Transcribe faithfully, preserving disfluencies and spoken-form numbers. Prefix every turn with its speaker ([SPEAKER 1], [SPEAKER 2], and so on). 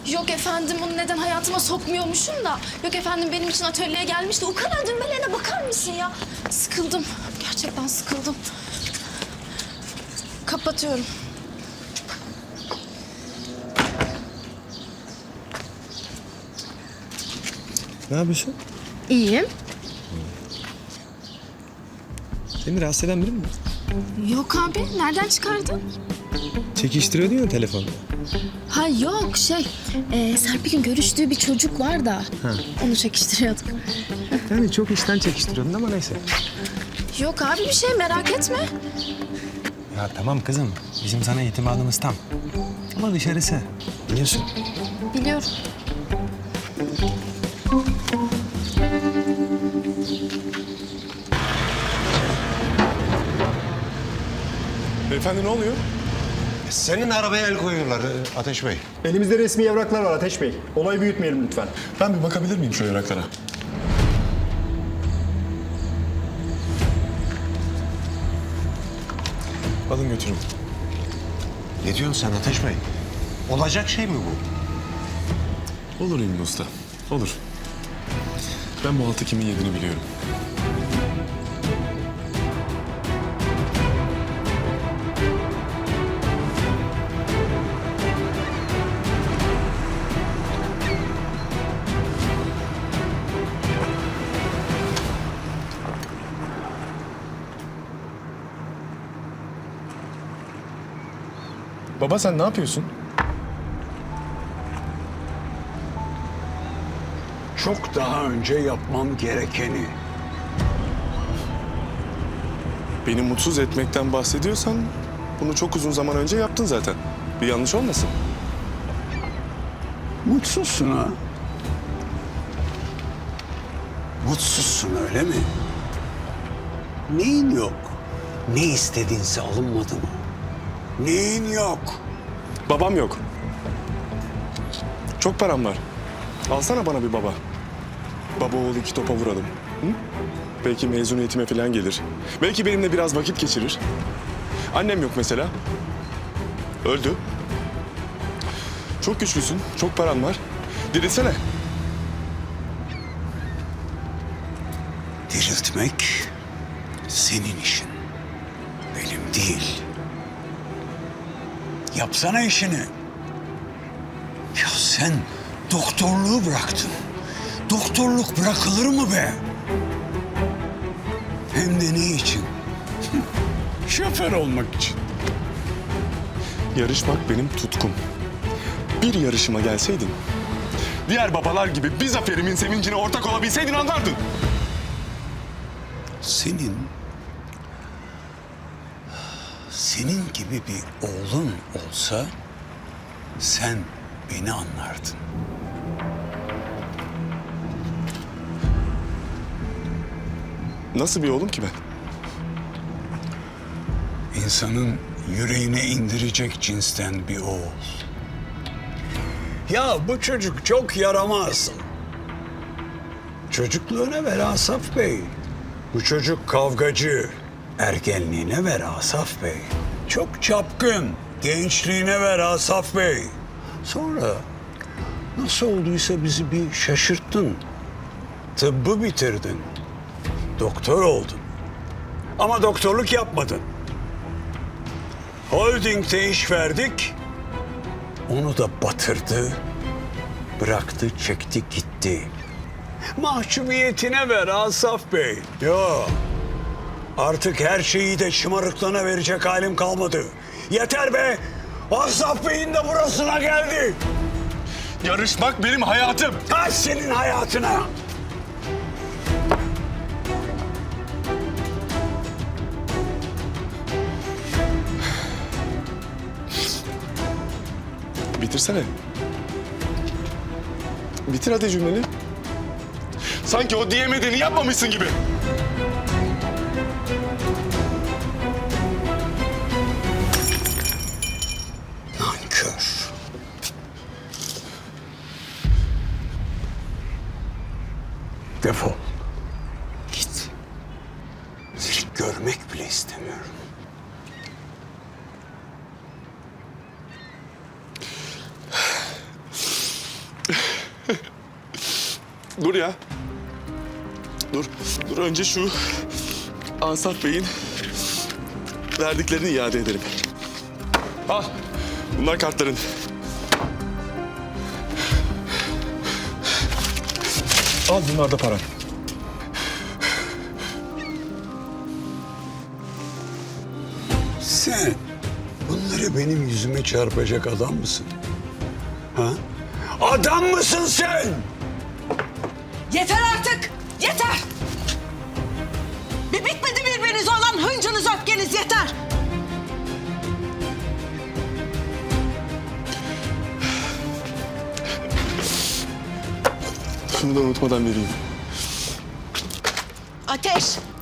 [SPEAKER 1] Yok efendim, bunu neden hayatıma sokmuyormuşum da. Yok efendim, benim için atölyeye gelmişti. O kadar düğmelerine bakar mısın ya? Sıkıldım. Gerçekten sıkıldım. Kapatıyorum.
[SPEAKER 2] Ne yapıyorsun?
[SPEAKER 1] İyiyim.
[SPEAKER 2] Seni rahatsız eden biri mi var?
[SPEAKER 1] Yok abi, nereden çıkardın?
[SPEAKER 2] Çekiştiriyordun ya telefonda.
[SPEAKER 1] Ha yok, şey... E, Serpil'in görüştüğü bir çocuk var da...
[SPEAKER 2] Ha.
[SPEAKER 1] Onu çekiştiriyorduk.
[SPEAKER 2] Yani çok işten çekiştiriyordun ama neyse.
[SPEAKER 1] Yok abi, bir şey merak etme.
[SPEAKER 2] Ya tamam kızım. Bizim sana itimadımız tam. Ama dışarısı. Biliyorsun.
[SPEAKER 1] Biliyorum.
[SPEAKER 3] Beyefendi ne oluyor?
[SPEAKER 4] Senin arabaya el koyuyorlar e, Ateş Bey.
[SPEAKER 5] Elimizde resmi evraklar var Ateş Bey. Olayı büyütmeyelim lütfen.
[SPEAKER 3] Ben bir bakabilir miyim şu evraklara? Alın götürün.
[SPEAKER 4] Ne diyorsun sen Ateş Bey? Olacak şey mi bu?
[SPEAKER 3] Olur İlmi Usta, olur. Ben bu altı kimin yediğini biliyorum. Baba sen ne yapıyorsun?
[SPEAKER 6] Çok daha önce yapmam gerekeni.
[SPEAKER 3] Beni mutsuz etmekten bahsediyorsan bunu çok uzun zaman önce yaptın zaten. Bir yanlış olmasın.
[SPEAKER 6] Mutsuzsun ha? Mutsuzsun öyle mi? Neyin yok? Ne istediğinse alınmadı mı? Neyin yok?
[SPEAKER 3] Babam yok. Çok param var. Alsana bana bir baba. Baba oğul iki topa vuralım. Hı? Belki mezuniyetime falan gelir. Belki benimle biraz vakit geçirir. Annem yok mesela. Öldü. Çok güçlüsün, çok paran var. Dirilsene.
[SPEAKER 6] Diriltmek senin işin. Benim değil. Yapsana işini. Ya sen doktorluğu bıraktın. Doktorluk bırakılır mı be? Hem de ne için? Şoför olmak için.
[SPEAKER 3] Yarışmak benim tutkum. Bir yarışıma gelseydin, diğer babalar gibi bir zaferimin sevincine ortak olabilseydin anlardın.
[SPEAKER 6] Senin... Senin gibi bir oğlun olsa sen beni anlardın.
[SPEAKER 3] Nasıl bir oğlum ki ben?
[SPEAKER 6] İnsanın yüreğine indirecek cinsten bir oğul. Ya bu çocuk çok yaramaz. Çocukluğuna ver Asaf Bey. Bu çocuk kavgacı. Ergenliğine ver Asaf Bey. Çok çapkın. Gençliğine ver Asaf Bey. Sonra nasıl olduysa bizi bir şaşırttın. Tıbbı bitirdin. Doktor oldun. Ama doktorluk yapmadın. Holding'de iş verdik. Onu da batırdı. Bıraktı, çekti, gitti. Mahcubiyetine ver Asaf Bey. Yo. Artık her şeyi de şımarıklığına verecek halim kalmadı. Yeter be. Asaf Bey'in de burasına geldi.
[SPEAKER 3] Yarışmak benim hayatım.
[SPEAKER 6] Kaç senin hayatına.
[SPEAKER 3] Bitirsene. Bitir hadi cümleni. Sanki o diyemediğini yapmamışsın gibi.
[SPEAKER 6] Nankör. Defol. Git. Seni görmek bile istemiyorum.
[SPEAKER 3] Dur ya. Dur. Dur önce şu Asaf Bey'in verdiklerini iade edelim. Al. Bunlar kartların. Al bunlar da paran.
[SPEAKER 6] Sen bunları benim yüzüme çarpacak adam mısın? Ha? Adam mısın sen?
[SPEAKER 7] Yeter artık! Yeter! Bir bitmedi birbirinize olan hıncınız, öfkeniz yeter!
[SPEAKER 3] Şunu da unutmadan vereyim.
[SPEAKER 7] Ateş!